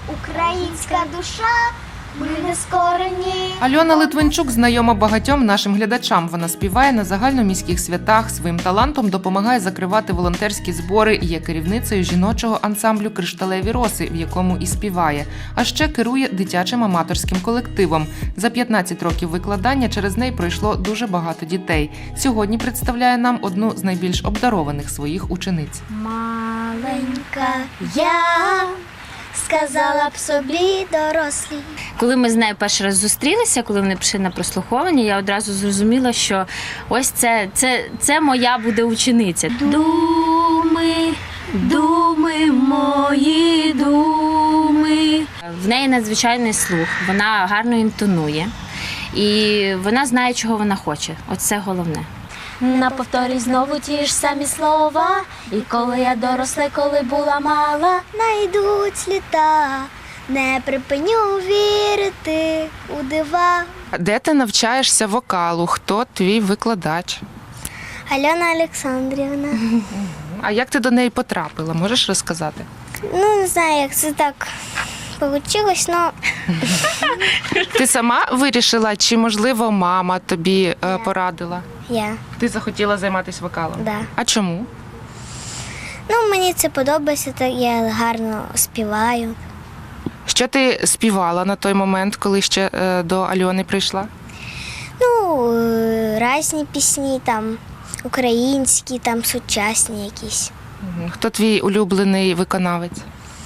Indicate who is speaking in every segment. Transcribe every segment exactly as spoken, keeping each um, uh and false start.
Speaker 1: українська душа, ми не скорені.
Speaker 2: Альона Литвинчук знайома багатьом нашим глядачам. Вона співає на загальноміських святах, своїм талантом допомагає закривати волонтерські збори і є керівницею жіночого ансамблю «Кришталеві роси», в якому і співає. А ще керує дитячим аматорським колективом. За п'ятнадцять років викладання через неї пройшло дуже багато дітей. Сьогодні представляє нам одну з найбільш обдарованих своїх учениць.
Speaker 1: Маленька я сказала б собі дорослі.
Speaker 3: Коли ми з нею перший раз зустрілися, коли вони прийшли на прослуховування, я одразу зрозуміла, що ось це, це, це моя буде учениця. Думи, думи, мої думи. В неї надзвичайний слух, вона гарно інтонує і вона знає, чого вона хоче. Оце головне.
Speaker 1: На повторі знову ті ж самі слова. І коли я доросла, коли була мала, найдуть літа, не припиню вірити у дива.
Speaker 2: Де ти навчаєшся вокалу? Хто твій викладач?
Speaker 1: Альона Олександрівна.
Speaker 2: А як ти до неї потрапила? Можеш розказати?
Speaker 1: Ну, не знаю, як це так получилось, але
Speaker 2: Ти сама вирішила, чи, можливо, мама тобі е, порадила?
Speaker 1: я,
Speaker 2: Ти захотіла займатися вокалом?
Speaker 1: да.
Speaker 2: А чому?
Speaker 1: Ну, мені це подобається, так я гарно співаю.
Speaker 2: Що ти співала на той момент, коли ще е, до Альони прийшла?
Speaker 1: Ну, е, різні пісні, там, українські, там, сучасні якісь.
Speaker 2: Мгм. Хто твій улюблений виконавець?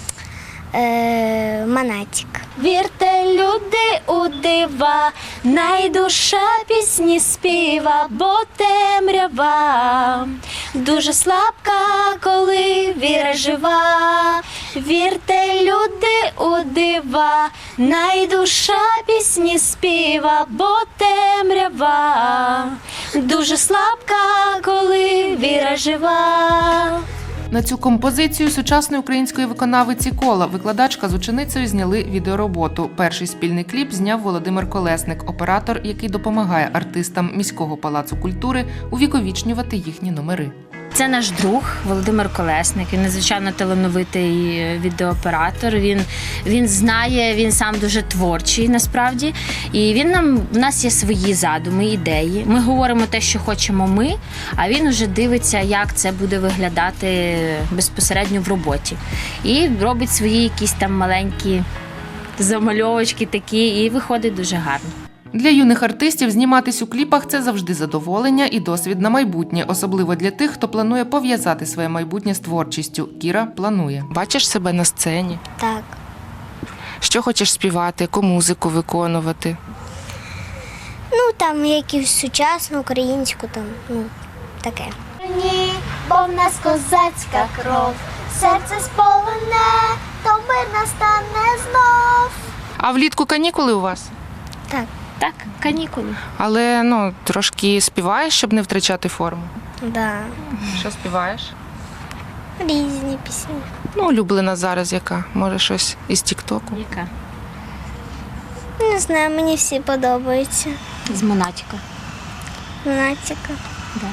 Speaker 1: Е, Монатік. Вірте, люди, у дива, найдуша пісні співа, бо темрява дуже слабка, коли віра жива. Вірте, люди, у дива, найдуша пісні співа, бо темрява дуже слабка, коли віра жива.
Speaker 2: На цю композицію сучасної української виконавиці Кола викладачка з ученицею зняли відеороботу. Перший спільний кліп зняв Володимир Колесник, оператор, який допомагає артистам міського палацу культури увіковічнювати їхні номери.
Speaker 3: Це наш друг Володимир Колесник, він надзвичайно талановитий відеооператор, він, він знає, він сам дуже творчий насправді. І він нам, в нас є свої задуми, ідеї. Ми говоримо те, що хочемо ми, а він вже дивиться, як це буде виглядати безпосередньо в роботі. І робить свої якісь там маленькі замальовочки такі, і виходить дуже гарно.
Speaker 2: Для юних артистів зніматись у кліпах – це завжди задоволення і досвід на майбутнє, особливо для тих, хто планує пов'язати своє майбутнє з творчістю. Кіра планує. Бачиш себе на сцені?
Speaker 1: Так.
Speaker 2: Що хочеш співати, яку музику виконувати?
Speaker 1: Ну, там якусь сучасну, українську, там, ну, таке. Ні, бо в нас козацька кров, серце сполоне, то мир настане знов.
Speaker 2: А влітку канікули у вас?
Speaker 1: Так,
Speaker 3: Так, канікули.
Speaker 2: Але, ну, трошки співаєш, щоб не втрачати форму?
Speaker 1: да.
Speaker 2: Що співаєш?
Speaker 1: Різні пісні.
Speaker 2: Ну, улюблена зараз яка? Може, щось із тік-току?
Speaker 3: Яка?
Speaker 1: Не знаю, мені всі подобаються.
Speaker 3: З Монатіка.
Speaker 1: Монатіка.
Speaker 3: Да.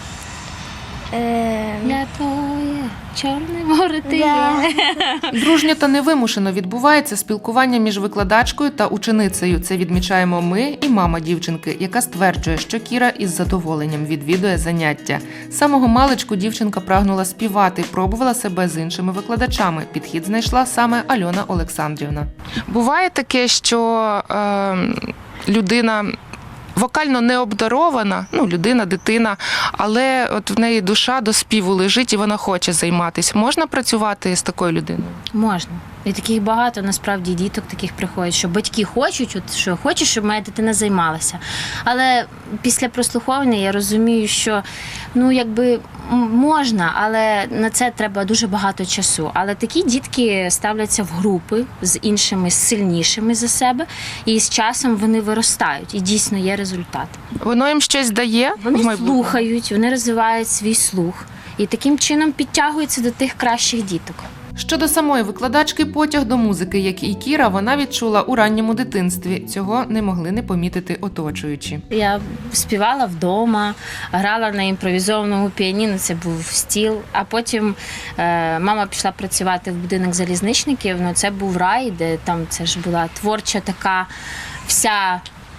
Speaker 1: Е,
Speaker 3: Я твоє чорне море ти
Speaker 1: Да.
Speaker 3: є.
Speaker 2: Дружньо та невимушено відбувається спілкування між викладачкою та ученицею. Це відмічаємо ми і мама дівчинки, яка стверджує, що Кіра із задоволенням відвідує заняття. З самого маличку дівчинка прагнула співати, пробувала себе з іншими викладачами. Підхід знайшла саме Альона Олександрівна. Буває таке, що е, людина вокально не обдарована, ну, людина, дитина, але от в неї душа до співу лежить і вона хоче займатися. Можна працювати з такою людиною?
Speaker 3: Можна. І таких багато, насправді, діток таких приходять, що батьки хочуть, от, що хочуть, щоб моя дитина займалася. Але після прослуховування я розумію, що, ну, якби, можна, але на це треба дуже багато часу. Але такі дітки ставляться в групи з іншими, сильнішими за себе, і з часом вони виростають, і дійсно є результат.
Speaker 2: Воно їм щось дає? в
Speaker 3: Вони
Speaker 2: майбутньому?
Speaker 3: слухають, вони розвивають свій слух, і таким чином підтягуються до тих кращих діток.
Speaker 2: Щодо самої викладачки, потяг до музики, як і Кіра, вона відчула у ранньому дитинстві. Цього не могли не помітити оточуючі.
Speaker 3: Я співала вдома, грала на імпровізованому піаніно, це був стіл. А потім е, мама пішла працювати в будинок залізничників. Ну, це був рай, де там це ж була творча така вся,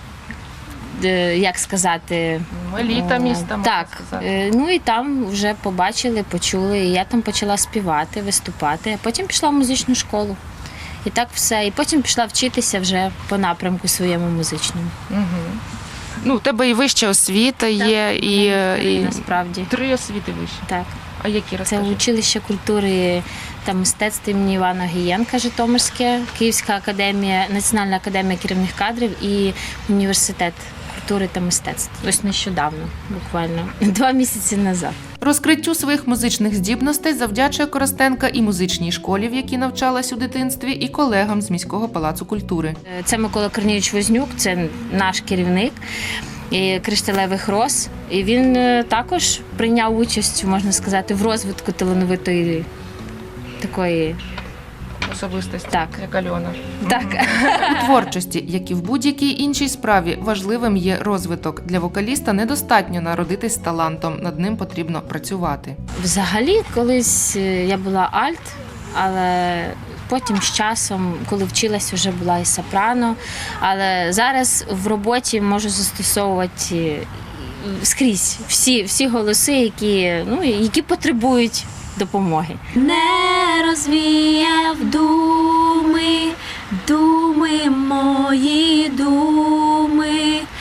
Speaker 3: е, як сказати,
Speaker 2: Еліта міста, можна
Speaker 3: так.
Speaker 2: сказати.
Speaker 3: Е, ну і там вже побачили, почули. І я там почала співати, виступати, а потім пішла в музичну школу. І так все. І потім пішла вчитися вже по напрямку своєму музичному.
Speaker 2: Угу. Ну, у тебе і вища освіта є, і, і
Speaker 3: Насправді.
Speaker 2: три освіти вищі.
Speaker 3: Так.
Speaker 2: А які,
Speaker 3: Це
Speaker 2: розкажи?
Speaker 3: училище культури та мистецтв імені Івана Гієнка Житомирське, Київська академія, Національна академія керівних кадрів і університет культури та мистецтв. Ось нещодавно, буквально два місяці назад.
Speaker 2: Розкриттю своїх музичних здібностей завдячує Коростенка і музичній школі, в якій навчалась у дитинстві, і колегам з міського палацу культури.
Speaker 3: Це Микола Корнійович Вознюк, це наш керівник і кришталевих роз. І він е, також прийняв участь, можна сказати, в розвитку талановитої такої.
Speaker 2: Особистості,
Speaker 3: Так.
Speaker 2: як Альона.
Speaker 3: Так.
Speaker 2: У творчості, як і в будь-якій іншій справі, важливим є розвиток. Для вокаліста недостатньо народитись з талантом, над ним потрібно працювати.
Speaker 3: Взагалі, колись е, я була альт, але потім з часом, коли вчилась, вже була і сопрано. Але зараз в роботі можу застосовувати скрізь всі, всі голоси, які, ну, які потребують допомоги. Не розвіяв думи, думи мої думи,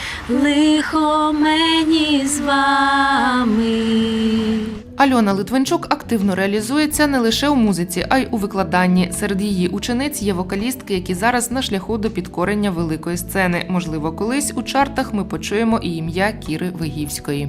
Speaker 3: лихо мені з вами.
Speaker 2: Альона Литвинчук активно реалізується не лише у музиці, а й у викладанні. Серед її учениць є вокалістки, які зараз на шляху до підкорення великої сцени. Можливо, колись у чартах ми почуємо і ім'я Кіри Вигівської.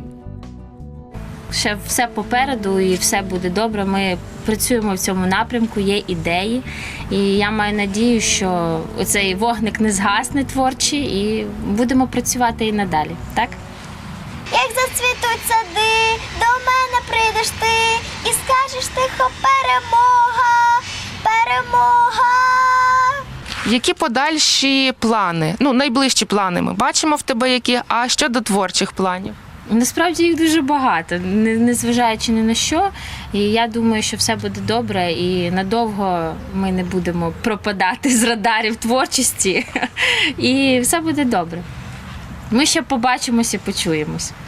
Speaker 3: Ще все попереду і все буде добре. Ми працюємо в цьому напрямку, є ідеї. І я маю надію, що оцей вогник не згасне творчий і будемо працювати і надалі. Так?
Speaker 1: Як зацвітуть сади, до мене прийдеш ти і скажеш тихо перемога, перемога.
Speaker 2: Які подальші плани? Ну, найближчі плани ми бачимо в тебе які, а щодо творчих планів?
Speaker 3: Насправді їх дуже багато, не- незважаючи ні на що. І я думаю, що все буде добре і надовго ми не будемо пропадати з радарів творчості. І все буде добре. Ми ще побачимося і почуємось.